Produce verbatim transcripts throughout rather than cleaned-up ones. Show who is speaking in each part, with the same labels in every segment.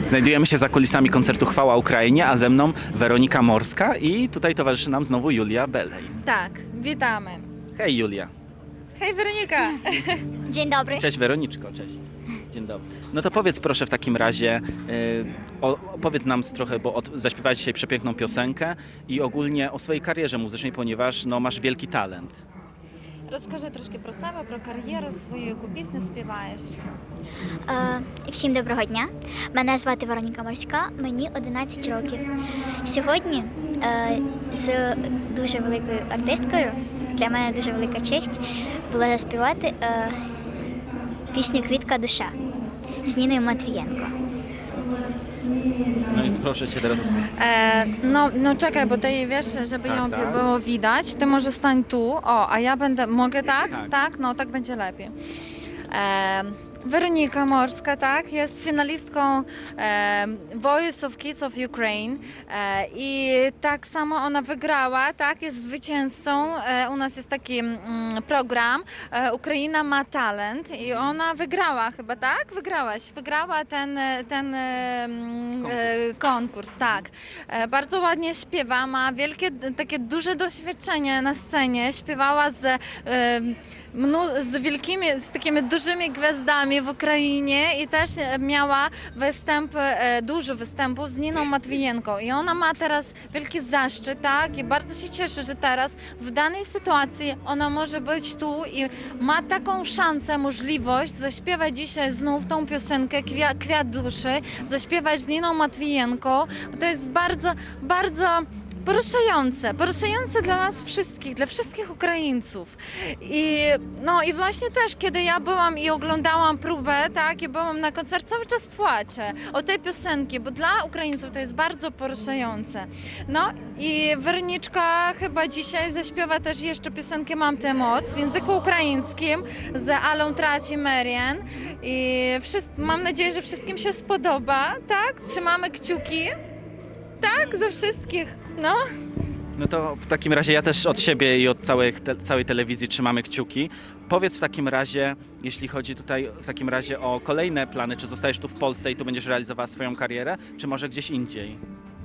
Speaker 1: Znajdujemy się za kulisami koncertu Chwała Ukrainie, a ze mną Weronika Morska i tutaj towarzyszy nam znowu Julia Belej.
Speaker 2: Tak, witamy.
Speaker 1: Hej Julia.
Speaker 2: Hej Weronika.
Speaker 3: Dzień dobry.
Speaker 1: Cześć Weroniczko, cześć. Dzień dobry. No to powiedz proszę w takim razie, yy, o, opowiedz nam trochę, bo od, zaśpiewałeś dzisiaj przepiękną piosenkę i ogólnie o swojej karierze muzycznej, ponieważ no, masz wielki talent.
Speaker 2: Розкажи трошки про себе, про кар'єру свою, яку пісню співаєш.
Speaker 3: Е, всім доброго дня. Мене звати Вероніка Морська, мені одинадцять років. Сьогодні е, з дуже великою артисткою, для мене дуже велика честь, була заспівати е, пісню «Квітка душа» з Ніною Матвієнко.
Speaker 1: No i proszę cię teraz odpowiedzieć.
Speaker 2: E, no, no czekaj, bo ty wiesz, żeby
Speaker 1: Tak,
Speaker 2: ją
Speaker 1: tak.
Speaker 2: było widać, ty może stań tu, o, a ja będę, mogę tak?
Speaker 1: Tak.
Speaker 2: Tak? No tak będzie lepiej. E, Weronika Morska, tak, jest finalistką e, Voice of Kids of Ukraine e, i tak samo ona wygrała, tak, jest zwycięzcą. E, u nas jest taki mm, program e, Ukraina ma talent i ona wygrała chyba, tak? Wygrałaś, wygrała ten, ten e, mm, e, konkurs, tak. E, bardzo ładnie śpiewa, ma wielkie, takie duże doświadczenie na scenie, śpiewała z e, mnu- z wielkimi, z takimi dużymi gwiazdami w Ukrainie i też miała występ, e, dużo występów z Niną Matwijenką i ona ma teraz wielki zaszczyt, tak, i bardzo się cieszy, że teraz w danej sytuacji ona może być tu i ma taką szansę, możliwość zaśpiewać dzisiaj znów tą piosenkę Kwia- Kwiat duszy, zaśpiewać z Niną Matwijenką, bo to jest bardzo, bardzo poruszające, poruszające dla nas wszystkich, dla wszystkich Ukraińców. I, no i właśnie też, kiedy ja byłam i oglądałam próbę, tak, i byłam na koncercie, cały czas płaczę o tej piosenki, bo dla Ukraińców to jest bardzo poruszające. No i Weroniczka chyba dzisiaj zaśpiewa też jeszcze piosenkę Mam tę moc w języku ukraińskim z Alą Traci Merian i wszyscy, mam nadzieję, że wszystkim się spodoba, tak? Trzymamy kciuki. Tak, ze wszystkich, no.
Speaker 1: No to w takim razie ja też od siebie i od całej, te, całej telewizji trzymamy kciuki. Powiedz w takim razie, jeśli chodzi tutaj w takim razie o kolejne plany, czy zostajesz tu w Polsce i tu będziesz realizowała swoją karierę, czy może gdzieś indziej?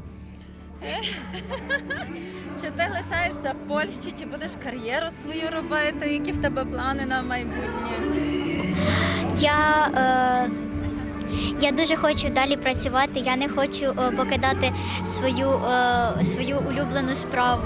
Speaker 2: Чи ти лишаєшся в Польщі, чи будеш кар'єру свою робити? Які в тебе плани на майбутнє?
Speaker 3: Я, е, я дуже хочу далі працювати, я не хочу е, покидати свою, е, свою улюблену справу.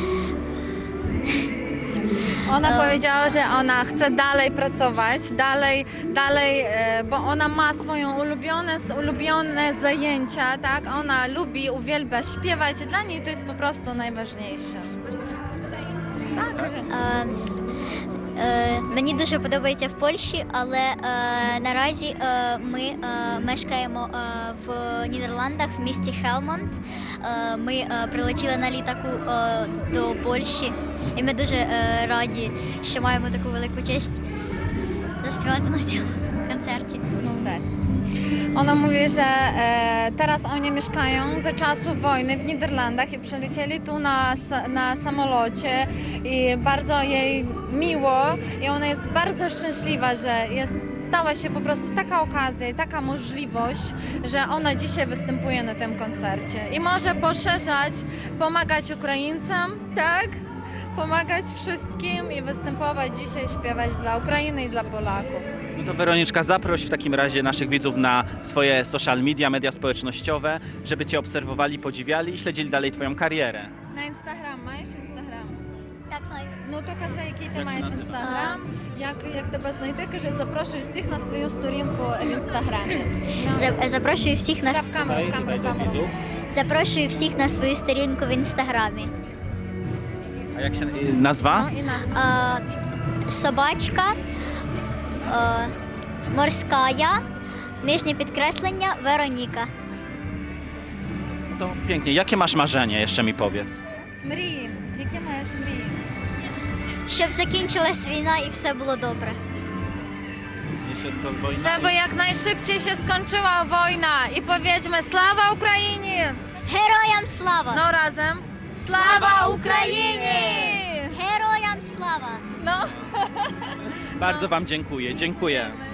Speaker 2: Ona
Speaker 3: E.
Speaker 2: powiedziała, że ona chce dalej pracować, dalej, dalej, e, bo ona ma swoją ulubione, ulubione zajęcia, tak? Ona lubi, uwielbia śpiewać i dla niej to jest po prostu najważniejsze. Tak, że...
Speaker 3: Е, е, мені дуже подобається в Польщі, але е, наразі е, ми е, мешкаємо е, в Нідерландах в місті Хелмонд. Е, ми е, прилетіли на літаку е, до Польщі, і ми дуже е, раді, що маємо таку велику честь заспівати на цьому концерті.
Speaker 2: Молодець. Ona mówi, że e, teraz oni mieszkają za czasów wojny w Niderlandach i przylecieli tu na, s- na samolocie i bardzo jej miło i ona jest bardzo szczęśliwa, że jest, stała się po prostu taka okazja i taka możliwość, że ona dzisiaj występuje na tym koncercie i może poszerzać, pomagać Ukraińcom, tak? Pomagać wszystkim i występować dzisiaj, śpiewać dla Ukrainy i dla Polaków.
Speaker 1: No to Weroniczka, zaproś w takim razie naszych widzów na swoje social media, media społecznościowe, żeby Cię obserwowali, podziwiali i śledzili dalej Twoją karierę.
Speaker 2: На інстаграм маєш інстаграм?
Speaker 3: Так, маю.
Speaker 2: Ну то кажи, який ти
Speaker 1: Як це
Speaker 2: маєш
Speaker 1: називається?
Speaker 2: інстаграм, як, як тебе знайти, кажи, запрошую всіх на свою сторінку в інстаграмі. Ну,
Speaker 3: За- Запрошую всіх на
Speaker 2: та
Speaker 3: с-
Speaker 2: в камеру, в камеру, в камеру.
Speaker 3: запрошую всіх на свою сторінку в інстаграмі.
Speaker 1: A jak się y, nazwa?
Speaker 2: Ну і нас.
Speaker 3: Е, собачка, е, морськая, нижнє підкреслення Вероніка.
Speaker 1: To pięknie. Jakie masz marzenie? Jeszcze mi powiedz.
Speaker 2: Мрії. Які маєш мрії?
Speaker 3: Щоб закінчилась війна і все було добре.
Speaker 1: Jeszcze tylko wojna.
Speaker 2: Żeby jak najszybciej się skończyła wojna i powiedzmy Sława Ukrainie!
Speaker 3: Героям слава!
Speaker 2: No razem.
Speaker 3: Sława
Speaker 2: Україні!
Speaker 3: Героям слава!
Speaker 2: No.
Speaker 1: Bardzo Wam dziękuję. Dziękuję.